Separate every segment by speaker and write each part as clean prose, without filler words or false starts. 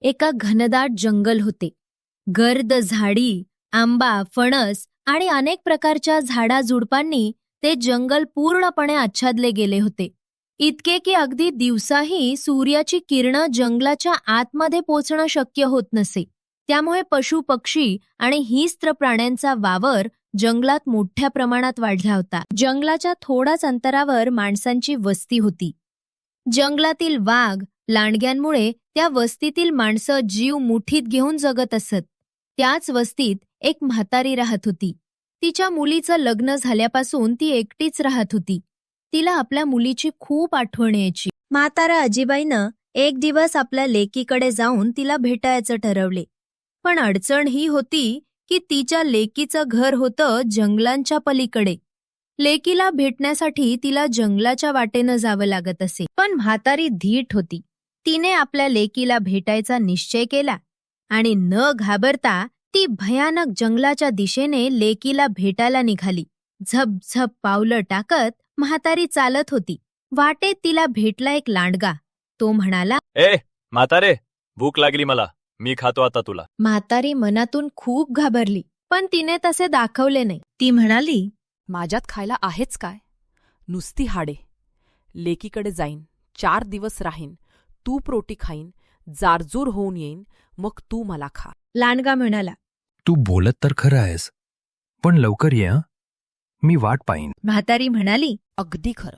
Speaker 1: एका घनदाट जंगल होते. गर्द झाडी, आंबा, फणस आणि अनेक प्रकारच्या झाडाझुडपांनी ते जंगल पूर्णपणे आच्छादले गेले होते. इतके की अगदी दिवसाही सूर्याची किरणं जंगलाच्या आतमध्ये पोचणं शक्य होत नसे. त्यामुळे पशु पक्षी आणि हिंस्त्र प्राण्यांचा वावर जंगलात मोठ्या प्रमाणात वाढला होता. जंगलाच्या थोड्याच अंतरावर माणसांची वस्ती होती. जंगलातील वाघ, लांडग्यांमुळे त्या वस्तीतील माणसं जीव मुठीत घेऊन जगत असत. त्याच वस्तीत एक म्हातारी राहत होती. तिच्या मुलीचं लग्न झाल्यापासून ती एकटीच राहत होती. तिला आपल्या मुलीची खूप आठवण यायची. म्हातारा आजीबाईनं एक दिवस आपल्या लेकीकडे जाऊन तिला भेटायचं ठरवले. पण अडचण ही होती की तिच्या लेकीचं घर होतं जंगलांच्या पलीकडे. लेकीला भेटण्यासाठी तिला जंगलाच्या वाटेनं जावं लागत असे. पण म्हातारी धीट होती. तिने आपल्या लेकीला भेटायचा निश्चय केला आणि न घाबरता ती भयानक जंगलाच्या दिशेने लेकीला भेटायला निघाली. झपझप पावलं टाकत म्हातारी चालत होती. वाटेत तिला भेटला एक लांडगा. तो म्हणाला,
Speaker 2: ए म्हातारे, भूक लागली मला, मी खातो आता तुला.
Speaker 1: म्हातारी मनातून खूप घाबरली, पण तिने तसे दाखवले नाही. ती म्हणाली,
Speaker 3: माझ्यात खायला आहेच काय? नुसती हाडे. लेकीकडे जाईन, 4 दिवस राहीन, तूप रोटी खाईन, जारजूर होऊन येईन, मग तू मला खा.
Speaker 1: लांडगा म्हणाला,
Speaker 4: तू बोलत तर खरं आहेस, पण लवकर ये हं, मी वाट पाहीन.
Speaker 1: म्हातारी म्हणाली,
Speaker 3: अगदी खरं.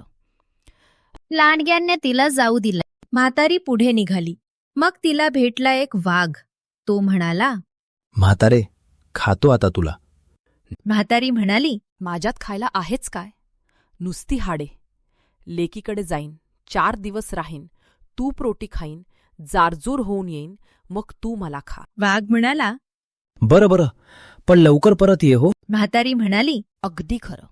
Speaker 1: लांडग्याने तिला जाऊ दिलं. म्हातारी पुढे निघाली. मग तिला भेटला एक वाघ. तो म्हणाला,
Speaker 5: म्हातारे, खातो आता तुला.
Speaker 1: म्हातारी म्हणाली,
Speaker 3: माझ्यात खायला आहेच काय? नुसती हाडे. लेकीकडे जाईन, 4 दिवस राहीन, तूप रोटी खाईन, जारजूर होऊन येईन, मग तू मला खा.
Speaker 1: वाघ म्हणाला,
Speaker 5: बरं बरं, पण लवकर परत ये हो.
Speaker 1: म्हातारी म्हणाली,
Speaker 3: अगदी खरं.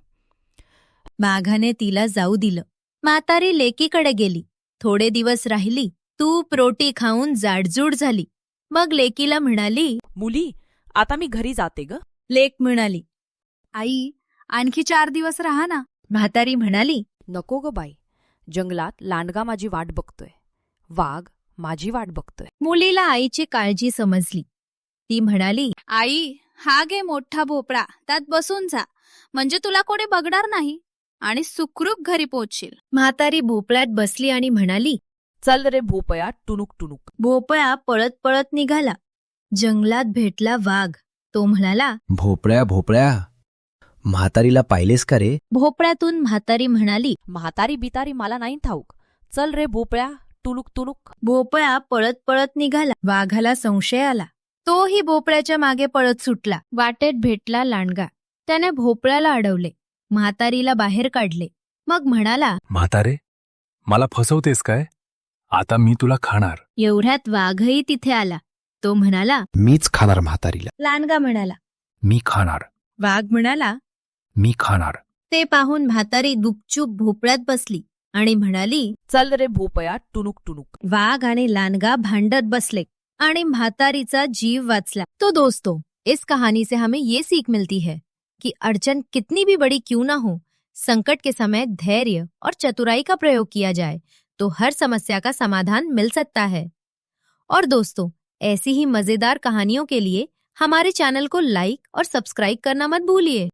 Speaker 1: वाघाने तिला जाऊ दिलं. म्हातारी लेकीकडे गेली. थोडे दिवस राहिली. तूप रोटी खाऊन जाडजूड झाली. मग लेकीला म्हणाली,
Speaker 3: मुली, आता मी घरी जाते ग.
Speaker 1: लेक म्हणाली,
Speaker 6: आई, आणखी 4 दिवस राहा ना.
Speaker 1: म्हातारी म्हणाली,
Speaker 3: नको ग बाई, जंगलात लांडगा माझी वाट बघतोय, वाघ माझी वाट बघतोय.
Speaker 1: मुलीला आईची काळजी समजली. ती म्हणाली,
Speaker 6: आई, हा घे मोठा भोपळा, त्यात बसून जा, म्हणजे तुला कोणी बघणार नाही आणि सुखरूप घरी पोहोचशील.
Speaker 1: म्हातारी भोपळ्यात बसली आणि म्हणाली,
Speaker 3: चल रे भोपया, टुनुक टुनुक.
Speaker 1: भोपळा पळत पळत निघाला. जंगलात भेटला वाघ. तो म्हणाला,
Speaker 5: भोपळ्या भोपळ्या, म्हातारीला पाहिलेस का रे?
Speaker 1: भोपळ्यातून म्हातारी म्हणाली,
Speaker 3: म्हातारी बितारी मला नाही ठाऊक, चल रे भोपळ्या, टुनुक टुनुक.
Speaker 1: भोपळा पळत पळत निघाला. वाघाला संशय आला. तोही भोपळ्याच्या मागे पळत सुटला. वाटेत भेटला लांडगा. त्याने भोपळ्याला अडवले. म्हातारीला बाहेर काढले. मग म्हणाला,
Speaker 4: म्हातारे, मला फसवतेस काय? आता मी तुला खाणार.
Speaker 1: एवढ्यात वाघही तिथे आला. तो म्हणाला,
Speaker 5: मीच खाणार म्हातारीला.
Speaker 1: लांडगा म्हणाला,
Speaker 4: मी खाणार.
Speaker 1: वाघ म्हणाला,
Speaker 4: मी खाणार.
Speaker 1: ते पाहून म्हातारी गुपचूप भोपळ्यात बसली आणि म्हणाली,
Speaker 3: चल रे भोपया, टुनुक टुनुक.
Speaker 1: वाघ आणि लांडगा भांडत बसले आणि म्हातारीचा जीव वाचला. तो दोस्तों, इस कहानी से हमें ये सीख मिलती है कि अड़चन कितनी भी बड़ी क्यों ना हो, संकट के समय धैर्य और चतुराई का प्रयोग किया जाए तो हर समस्या का समाधान मिल सकता है. और दोस्तों, ऐसी ही मजेदार कहानियों के लिए हमारे चैनल को लाइक और सब्सक्राइब करना मत भूलिए.